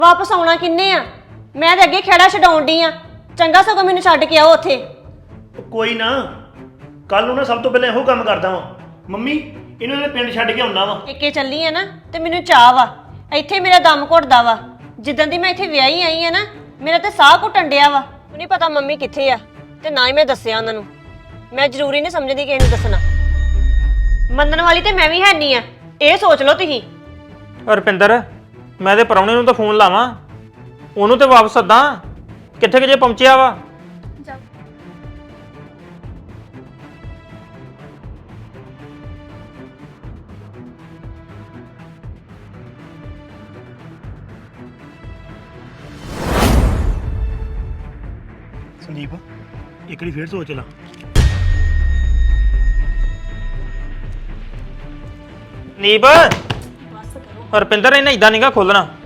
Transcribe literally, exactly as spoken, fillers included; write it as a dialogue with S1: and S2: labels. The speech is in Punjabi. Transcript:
S1: ਵਾਪਸ ਆਉਣਾ ਕਿੰਨੇ ਆ? ਮੈਂ ਤੇ ਅੱਗੇ ਖੇੜਾ ਛਡਾਉਣ ਡਈ ਆ। ਚੰਗਾ ਸਗੋਂ ਮੈਨੂੰ ਛੱਡ ਕੇ ਆਓ ਉੱਥੇ।
S2: ਕੋਈ ਨਾ, ਕੱਲ ਨੂੰ ਨਾ ਸਭ ਤੋਂ ਪਹਿਲਾਂ ਇਹੋ ਕੰਮ ਕਰਦਾ ਵਾਂ। ਮੰਮੀ ਇਹਨੂੰ ਇਹਦੇ ਪਿੰਡ ਛੱਡ ਕੇ ਆਉਣਾ ਵਾ।
S1: ਇੱਕੇ ਚੱਲੀ ਆ ਨਾ ਤੇ ਮੈਨੂੰ ਚਾਹ ਵਾ। ਇੱਥੇ ਮੇਰਾ ਦਮ ਘੁੱਟਦਾ ਵਾ। ਜਿੱਦਾਂ ਦੀ ਮੈਂ ਇੱਥੇ ਵਿਆਹੀ ਆਈ ਆ ਨਾ, ਮੇਰਾ ਤੇ ਸਾਹ ਘੁੱਟਣ ਡਿਆ ਵਾ। ਮੈਨੂੰ ਨਹੀਂ ਪਤਾ ਮੰਮੀ ਕਿੱਥੇ ਆ ਤੇ ਨਾ ਹੀ ਮੈਂ ਦੱਸਿਆ ਉਹਨਾਂ ਨੂੰ। ਮੈਂ ਜ਼ਰੂਰੀ ਨਹੀਂ ਸਮਝਦੀ ਕਿ ਇਹਨੂੰ ਦੱਸਣਾ। ਮੰਨਣ ਵਾਲੀ ਤੇ ਮੈਂ ਵੀ ਹੈ ਨਹੀਂ ਆ, ਇਹ ਸੋਚ ਲਓ ਤੁਸੀਂ।
S3: ਰੁਪਿੰਦਰ, ਮੈਂ ਤੇ ਪ੍ਰਾਹੁਣੇ ਨੂੰ ਤਾਂ ਫੋਨ ਲਾਵਾਂ, ਉਹਨੂੰ ਤੇ ਵਾਪਸ ਸੱਦਾਂ। ਕਿੱਥੇ ਕਿ ਜੇ ਪਹੁੰਚਿਆ ਵਾ?
S2: ਸੰਦੀਪ ਇੱਕ ਵਾਰੀ ਫੇਰ ਸੋਚ ਲਾ।
S3: ਨੀਬ, ਰੁਪਿੰਦਰ ਇਹਨੇ ਇਦਾਂ ਨਹੀਂਗਾ ਖੋਲਣਾ।